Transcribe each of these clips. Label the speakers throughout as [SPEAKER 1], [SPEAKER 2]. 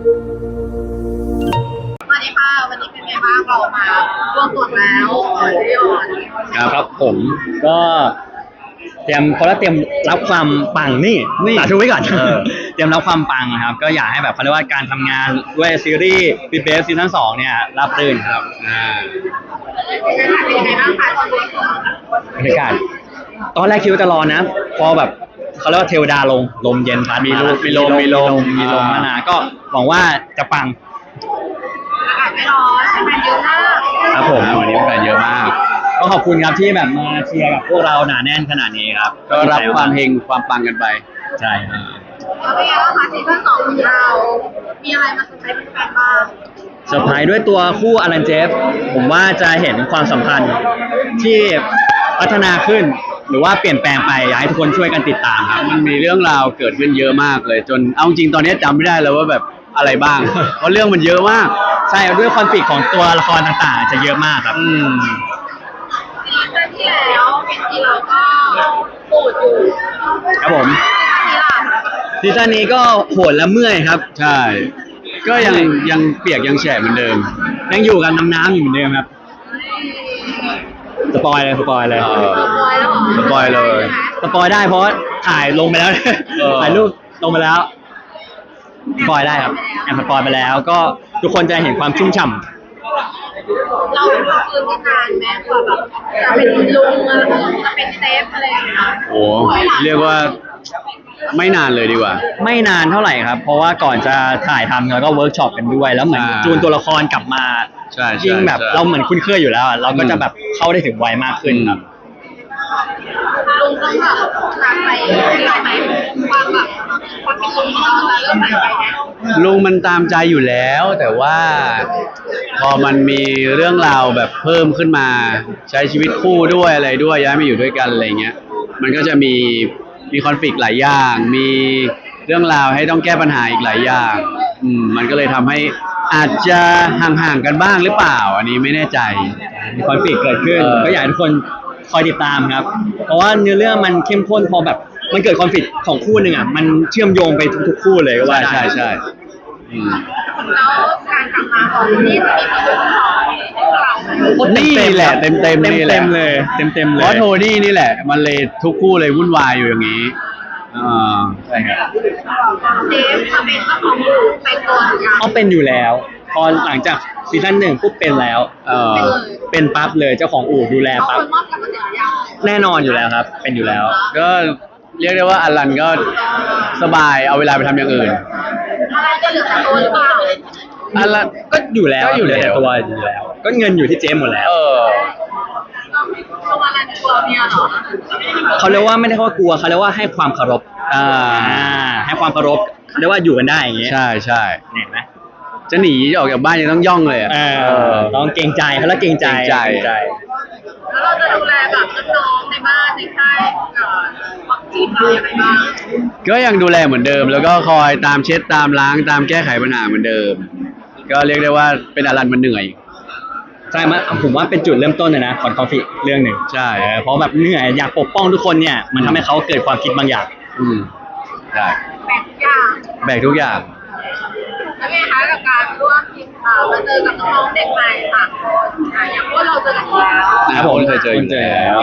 [SPEAKER 1] สวัสดีค่ะวันนี้เป็นไงบ้างเรามารวมตัวแล้วพี่ออน
[SPEAKER 2] ครับผมก็เตรียมรับความปังนี่สาธุไว้ก่อนเตรียมรับความปังนะครับก็อยากให้แบบเขาเรียกว่าการทำงานด้วยซีรีส์ปีเบสซีซั่น 2เนี่ยรับรื่นครับ
[SPEAKER 1] เป็นยังไงบ้างคะตอนนี้
[SPEAKER 2] บรรยากาศตอนแรกคิดว่าจะรอนะพอแบบเขาเรียกว่าเทวดาลมเย็นพัดมีลมมานาก็หวังว่าจะปัง
[SPEAKER 1] อากาศไม่ร้อนแฟนเยอะมาก
[SPEAKER 2] ครับผมวันนี้แฟนเยอะมากก็ขอบคุณครับที่แบบมาเชียร์กับพวกเราหนาแน่นขนาดนี้ครับก็รับความเฮงความปังกันไปใช่
[SPEAKER 1] แล้วเป็นไงบ้างคะซีซั่น 2ของเรามีอะไรมาเซอร์ไพรส์แฟนบ้าง
[SPEAKER 2] เซอร์ไพรส์ด้วยตัวคู่อลันเจฟผมว่าจะเห็นความสัมพันธ์ที่พัฒนาขึ้นหรือว่าเปลี่ยนแปลงไปอยากให้ทุกคนช่วยกันติดตามครับ
[SPEAKER 3] มันมีเรื่องราวเกิดขึ้นเยอะมากเลยจนเอาจริงตอนนี้จำไม่ได้แล้วว่าแบบอะไรบ้าง เพราะเรื่องมันเยอะมาก
[SPEAKER 2] ใช่ด้วยคอนฟลิกต์ของตัวละครต่างๆจะเยอะมากครับ
[SPEAKER 1] ซีซั่นที่แล้วที่เราก็ปูดอยู่
[SPEAKER 2] ครับผมซีซั่นนี้ก็โหดและเมื่อยครับ
[SPEAKER 3] ใช่ก็ยังเปียกยังแฉะเหมือนเดิม
[SPEAKER 2] ยังอยู่กันน้ำอยู่เหมือนเดิมครับสปอยเลย
[SPEAKER 1] สปอยเลย
[SPEAKER 2] สปอยได้เพราะถ่ายลงไปแล้วถ่ายรูปลงไปแล้วสปอยได้ครับแอบสปอยไปแล้วก็ทุกคนจะเห็นความชุ่มฉ่ำ
[SPEAKER 1] เราเป็นคนคืนที่นานแม้กว่าแบบจะเป็นลุงอะไรจะเป็นเซฟอะไรอย่างเงี้ย
[SPEAKER 3] โอ้เรียกว่าไม่นานเลยดีกว่า
[SPEAKER 2] ไม่นานเท่าไหร่ครับเพราะว่าก่อนจะถ่ายทำเราก็เวิร์กช็อปกันด้วยแล้วเหมือนจูนตัวละครกลับมายิ่งแบบเราเหมือนคุ้นเคยอยู่แล้วเราก็จะแบบเข้าได้ถึงไวมากขึ้นครับ
[SPEAKER 1] ลุงต้องแบบตามไปไหมความแบบความเป็นลุงเราจะเริ่มหายไป
[SPEAKER 3] นะลุงมันตามใจอยู่แล้วแต่ว่าพอมันมีเรื่องราวแบบเพิ่มขึ้นมาใช้ชีวิตคู่ด้วยอะไรด้วยย้ายมาอยู่ด้วยกันอะไรเงี้ยมันก็จะมีคอนฟลิกต์หลายอย่างมีเรื่องราวให้ต้องแก้ปัญหาอีกหลายอย่างมันก็เลยทำให้อาจจะห่างๆกันบ้างหรือเปล่าอันนี้ไม่แน่ใจ
[SPEAKER 2] มีคอนฟลิกต์เกิดขึ้นก็อยากให้ทุกคนคอยติดตามครับเพราะว่าเนื้อเรื่องมันเข้มข้นพอแบบมันเกิดคอนฟลิกต์ของคู่หนึ่งอ่ะมันเชื่อมโยงไปทุกคู่เลยก็ว่าได้
[SPEAKER 3] ใช่
[SPEAKER 1] แล้วการกลับมาของนี่จะมีผล
[SPEAKER 3] ของนี่แหละเต็ม
[SPEAKER 2] เลย
[SPEAKER 3] เพราะโทนี่นี่แหละมันเลยทุกคู่เลยวุ่นวายอยู่อย่างนี้
[SPEAKER 2] ใช่ครับ
[SPEAKER 1] เดฟจะเป็นเจ้าของเป็นตัว
[SPEAKER 2] เขาเป็นอยู่แล้วพอหลังจากซีซั่น 1ปุ๊บเป็นแล้วเป็นปั๊บเลยเจ้าของอู่ดูแลปั๊บแน่นอนอยู่แล้วครับเป็นอยู่แล้ว
[SPEAKER 3] ก็เรียกได้ว่าอลันก็สบายเอาเวลาไปทำอย่างอื่น
[SPEAKER 1] อะไรจะเหลือแต่ตัวหรือเปล่า
[SPEAKER 2] อะไรก็อยู่แล้วแต่ตัวอยู่แล้วก็เงินอยู่ที่เจมหมดแล้วเขาเรียกว่าไม่ได้ว่ากลัวเขาเรียกว่าให้ความเคารพให้ความเคารพเขาเรียกว่าอยู่กันได้อย่างเงี้ย
[SPEAKER 3] ใช่
[SPEAKER 2] เห็นไหม
[SPEAKER 3] จะหนีออกจากบ้านยังต้องย่องเลย
[SPEAKER 2] ต้องเกรงใจเขาแล้วเกรงใจ
[SPEAKER 1] แล้วเราจะดูแลแบบน้องในบ้านในค่ายวัคซีนเราอย่างไรบ้าง
[SPEAKER 3] ก็ยังดูแลเหมือนเดิมแล้วก็คอยตามเช็ดตามล้างตามแก้ไขปัญหาเหมือนเดิมก็เรียกได้ว่าเป็นอลันมันเหนื่อย
[SPEAKER 2] ใช่ไหมผมว่าเป็นจุดเริ่มต้นเลยนะของคอนฟลิกต์เรื่องหนึ่ง
[SPEAKER 3] ใช่
[SPEAKER 2] เพราะแบบเหนื่อยอยากปกป้องทุกคนเนี่ยมันทำให้เขาเกิดความคิดบางอย่าง
[SPEAKER 3] ใช่แบกทุกอย่าง
[SPEAKER 1] แล้วไงคะกับการร่วมทีมมาเจอกับน้องเด็กใหม่ต่างคนอย่างพวกเราเจอกันแล้ว
[SPEAKER 3] ผมเคยเจออยู่แล้ว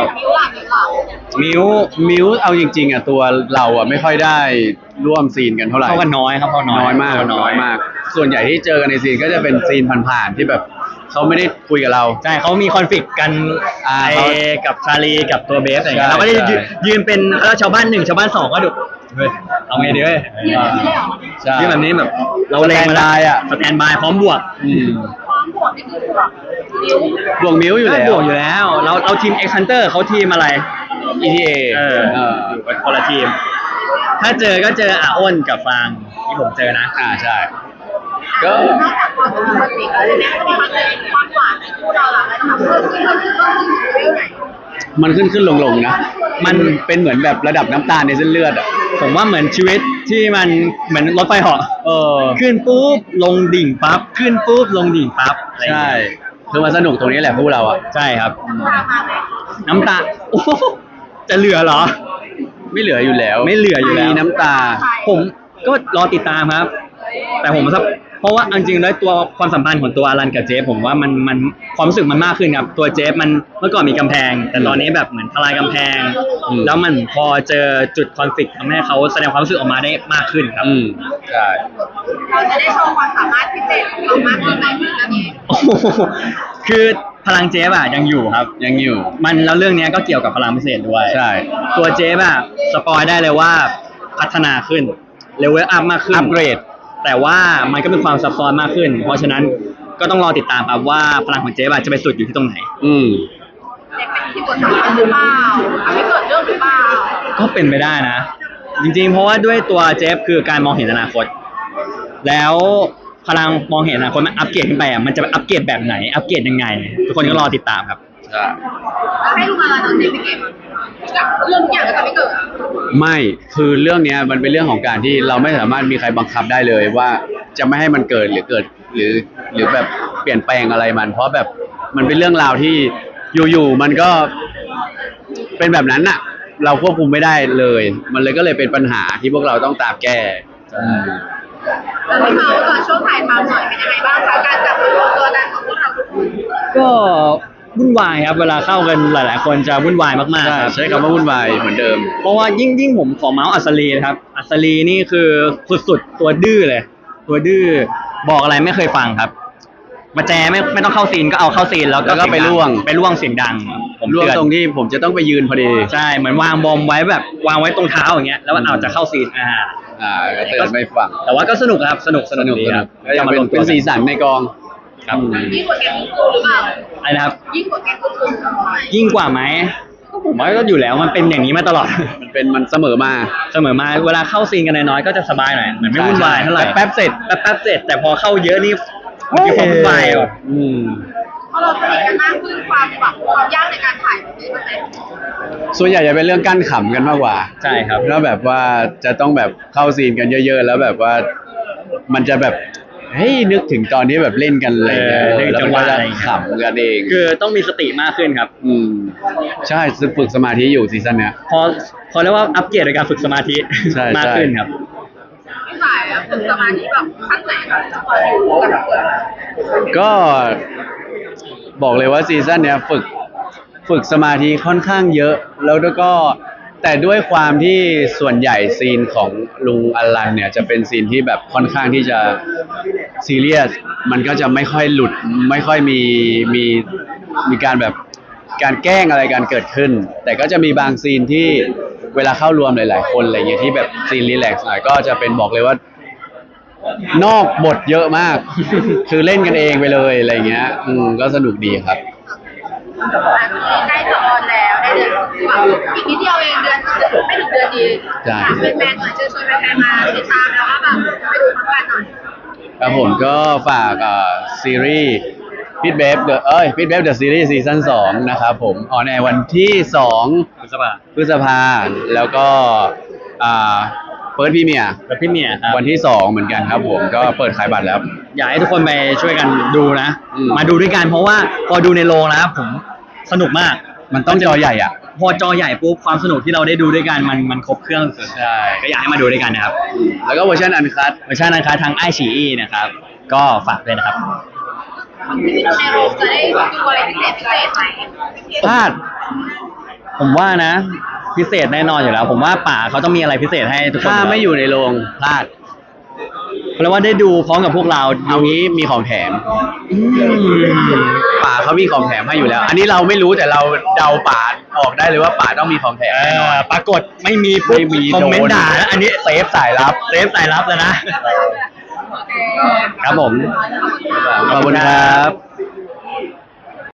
[SPEAKER 1] มิว
[SPEAKER 3] เอาจริงๆอ่ะตัวเราอ่ะไม่ค่อยได้ร่วมซีนกันเท่าไหร่
[SPEAKER 2] เข้ากันน้อยครับ
[SPEAKER 3] น้อยมากส่วนใหญ่ที่เจอกันในซีนก็จะเป็นซีนผ่านๆที่แบบเขาไม่ได้คุยกับเรา
[SPEAKER 2] ใช่เขามีคอนฟลิกต์กันกับชาลีกับตัวเบสอะไรเงี้ยเราก็ได้ยืนเป็นแล้วชาวบ้าน1ชาวบ้าน2ก็ดูเอาไงดีเว้ยที่แบบนี้แบบเราเลงมาได้อ่ะสแตนบายพร้อมบวก
[SPEAKER 1] พร้อมบวกนี่คือบ
[SPEAKER 3] วกมิ้วอยู่
[SPEAKER 2] แล้วเราทีม X Hunter เขาทีมอะไร
[SPEAKER 3] ETA
[SPEAKER 2] อยู่เป็นคนละทีมถ้าเจอก็เจออาอ้นกับฟางที่ผมเจอนะ
[SPEAKER 3] ใช่ก็
[SPEAKER 1] นอกจากความปกติแล้วเนี่ยความหวานในคู่เราล่ะมันเพิ่มขึ้นไหน
[SPEAKER 3] มันขึ้นลงนะมันเป็นเหมือนแบบระดับน้ำตาลในเส้นเลือดอ่ะ
[SPEAKER 2] ผมว่าเหมือนชีวิตที่มันเหมือนรถไฟเหาะขึ้นปุ๊บลงดิ่งปั๊บขึ้นปุ๊บลงดิ่งปั๊บ
[SPEAKER 3] ใช่คือมันสนุกตรงนี้แหละพวกเราอ่ะ
[SPEAKER 2] ใช่ครับน้ำตาจะเหลือเหรอ
[SPEAKER 3] ไม่เหลืออยู่แล้ว
[SPEAKER 2] มี
[SPEAKER 3] น้ำตา
[SPEAKER 2] ผมก็รอติดตามครับแต่ผมเพราะว่าเอาจริงๆแล้วตัวความสัมพันธ์ของตัวอลันกับเจฟผมว่ามันความรู้สึกมันมากขึ้นครับตัวเจฟมันเมื่อก่อนมีกำแพง แต่ตอนนี้แบบเหมือนทลายกำแพง แล้วมันพอเจอจุดคอนฟ lict ทำให้เขาแสดงความรู้สึกออกมาได้มากขึ้นครับ
[SPEAKER 3] ใช่
[SPEAKER 1] เราจะได้โชว์ความสามารถพิเศษของเรามากขึ้นในเรื่องนี้
[SPEAKER 2] โอ้โหคือพลังเจฟอะยังอยู่ครับ
[SPEAKER 3] ยังอยู่
[SPEAKER 2] มันแล้วเรื่องนี้ก็เกี่ยวกับพลังพิเศษด้วย
[SPEAKER 3] ใช่
[SPEAKER 2] ตัวเจฟอะสปอยได้เลยว่าพัฒนาขึ้นเลเวลอัพมากขึ้น
[SPEAKER 3] อัปเกรด
[SPEAKER 2] แต่ว่ามันก็มีความซับซ้อนมากขึ้น เพราะฉะนั้นก็ต้องรอติดตามครับว่าพลังของเจฟอะจะไปสุดอยู่ที่ตรงไหน
[SPEAKER 1] เด็กเป็นคีย์บอร์ดสำคัญหรือเปล่าทำให้เกิดเรื่องหรือเปล่า
[SPEAKER 2] ก็เป็นไปได้นะ จริงๆ เพราะว่าด้วยตัวเจฟคือการมองเห็นอนาคต แล้วพลังมองเห็นอนาคตมันอัปเกรดขึ้นไปอ่ะมันจะอัปเกรดแบบไหน อัปเกรดยังไง ทุกคนก็รอติดตามครับ
[SPEAKER 3] ใช่
[SPEAKER 1] แล้วให้ลูกมาตอนนี้ไปเก็บกับเรื่องทุกอย่างก็จะไม่เกิด
[SPEAKER 3] ไม่คือเรื่องเนี้ยมันเป็นเรื่องของการที่เราไม่สามารถมีใครบังคับได้เลยว่าจะไม่ให้มันเกิดหรือเกิดหรือแบบเปลี่ยนแปลงอะไรมัน เพราะแบบมันเป็นเรื่องราวที่อยู่ๆมันก็เป็นแบบนั้นน่ะ เราควบคุมไม่ได้เลย มันเลยก็เลยเป็นปัญหาที่พวกเราต้องตามแก้
[SPEAKER 1] แล้วที่เขาตอนช่วงถ่ายทำหน่อยเป็นยังไงบ้างคะการจับตัวนั้นของพวกเราทุกคน
[SPEAKER 2] ก็วุ่นวายครับ เวลาเข้ากันหลายๆ คนจะวุ่นวายมากๆครับ
[SPEAKER 3] ใช้คำว่าวุ่นวายเหมือนเดิม
[SPEAKER 2] เพราะว่ายิ่งผมขอเมาส์อัศรีนะครับ อัศรีนี่คือสุดๆตัวดื้อเลย ตัวดื้อบอกอะไรไม่เคยฟังครับมาแจไม่ต้องเข้าซีนก็เอาเข้าซีนแล้วก็
[SPEAKER 3] ไปล่วง
[SPEAKER 2] เสียงดังผม
[SPEAKER 3] ร่วง
[SPEAKER 2] เตือน
[SPEAKER 3] ตรงที่ผมจะต้องไปยืนพอดี
[SPEAKER 2] ใช่เหมือนวางบอมไว้แบบวางไว้ตรงเท้าอย่างเงี้ยแล้วเอาจะเข้าซีน
[SPEAKER 3] ก็เตือนไม่ฟัง
[SPEAKER 2] แต่ว่าก็สนุกครับสนุกดีครับ
[SPEAKER 3] ก็ยังเป็นสีสันในกอง
[SPEAKER 2] ครับ
[SPEAKER 1] ยิ่งกว่าแกงกูหรือเปล่า
[SPEAKER 2] อะไรนะครับ
[SPEAKER 1] ยิ่งกว่าแกงกู
[SPEAKER 2] ยิ่งกว่าไหมก็ผมว่าก็อยู่แล้วมันเป็นอย่างนี้มาตลอด
[SPEAKER 3] มันเสมอมา
[SPEAKER 2] เสมอมาเวลาเข้าซีนกันน้อยๆก็จะสบายหน่อยเหมือนไม่วุ่นวายเท่าไหร่
[SPEAKER 3] แป๊บๆเสร็จ
[SPEAKER 2] แป๊บๆเสร็จแต่พอเข้าเยอะนี่มันมีความวุ่นวายอ่ะ
[SPEAKER 1] พอเราสนิทกันมากขึ้นความยากในการถ่ายมันมีไหม
[SPEAKER 3] ส่วนใหญ่จะเป็นเรื่องกั้นขำกันมากกว่า
[SPEAKER 2] ใช่ครับ
[SPEAKER 3] แล้วแบบว่าจะต้องแบบเข้าซีนกันเยอะๆ แล้วแบบว่ามันจะแบบเฮ้ยนึกถึงตอนที่แบบเล่นกันอะไรเงี้ย
[SPEAKER 2] นึก
[SPEAKER 3] แล้ว
[SPEAKER 2] จัง
[SPEAKER 3] มัน
[SPEAKER 2] หวะ
[SPEAKER 3] ก็
[SPEAKER 2] อะ
[SPEAKER 3] จะ
[SPEAKER 2] ไรอย่างเงี้ย
[SPEAKER 3] ขำกันเอง
[SPEAKER 2] คือต้องมีสติมากขึ้นครับ
[SPEAKER 3] ใช่ฝึกสมาธิอยู่ซีซั่นเนี้ย
[SPEAKER 2] พอเรียกว่าอัปเกรดในการฝึกสมาธิ
[SPEAKER 3] ใช่
[SPEAKER 2] มากขึ้นครับ
[SPEAKER 1] ไม่ถ่ายอะฝึกสมาธิแบบขั้นไหนคะตอนอยู่กับเพื่อน
[SPEAKER 3] ก็บอกเลยว่าซีซั่นเนี้ยฝึกสมาธิค่อนข้างเยอะ แล้วก็แต่ด้วยความที่ส่วนใหญ่ซีนของลุงอลันเนี่ยจะเป็นซีนที่แบบค่อนข้างที่จะซีเรียสมันก็จะไม่ค่อยหลุดไม่ค่อยมีการแบบการแกล้งอะไรการเกิดขึ้น แต่ก็จะมีบางซีนที่เวลาเข้ารวมหลายๆคนอะไรเงี้ยที่แบบซีนรีแลกซ์หน่อยก็จะเป็นบอกเลยว่านอกบทเยอะมาก คือเล่นกันเองไปเลยอะไรเงี้ยก็สนุกดีครับ
[SPEAKER 1] ใกล้จะออนแล้วได้เดือนแบบอีกนิดเดียวเองเดือนไม่ถึงเดือนดี
[SPEAKER 3] ใช่
[SPEAKER 1] เป็นแฟนหน่อยเชิญชวนแฟนๆมาติดตามแล้วก็แบบไปดูพร้อมกันหน่อย
[SPEAKER 3] ครับผมก็ฝากซีรีส์พิทเบฟพิทเบฟเดอะซีรีส์ซีซั่น2นะครับผมออนแอร์วันที่2พฤษภาแล้วก็เปิดพรีเมียร์
[SPEAKER 2] แบบพี่เมียครับ
[SPEAKER 3] วันที่2เหมือนกันครับผมก็เปิดขายบัตรแล้ว
[SPEAKER 2] อยากให้ทุกคนไปช่วยกันดูนะ
[SPEAKER 3] อืม
[SPEAKER 2] มาดูด้วยกันเพราะว่าพอดูในโรงแล้วผมสนุกมาก
[SPEAKER 3] มันต้องจอใหญ่อ่ะ
[SPEAKER 2] พอจอใหญ่ปุ๊บความสนุกที่เราได้ดูด้วยกันมันครบเครื่องสุด
[SPEAKER 3] ใช่
[SPEAKER 2] ก็อยากให้มาดูด้วยกันนะครับ
[SPEAKER 3] แล้วก็เวอร์ชันอันคัท
[SPEAKER 2] เวอร์ชันนะคะทางไอชีอีนะครับ ก็ฝากด้วยนะครับ
[SPEAKER 1] ที่มีในโรงจะได้ดูอะไรพิเศษไหม
[SPEAKER 2] พลาด ผมว่านะ พิเศษแน่นอนอยู่แล้ว ผมว่าป่าเขาต้องมีอะไรพิเศษให้ทุกคน
[SPEAKER 3] ถ้าไม่อยู่ในโรงพลาด
[SPEAKER 2] เพราะว่าได้ดูพร้อมกับพวกเรา
[SPEAKER 3] เอางี้มีของแถม
[SPEAKER 2] อืม
[SPEAKER 3] ป่าเขามีของแถมให้อยู่แล้ว อันนี้เราไม่รู้แต่เราเดาป่าออกได้เลยว่าป่าต้องมีของแถมแน่นอน
[SPEAKER 2] ปรากฏไม่มีปุ๊บ
[SPEAKER 3] ไม่มี
[SPEAKER 2] คอมเมนต์ด่าแล้วอันนี้
[SPEAKER 3] เซฟสายลับ
[SPEAKER 2] เซฟสายลับแล้วนะ ครับผม
[SPEAKER 3] ขอบคุณครับ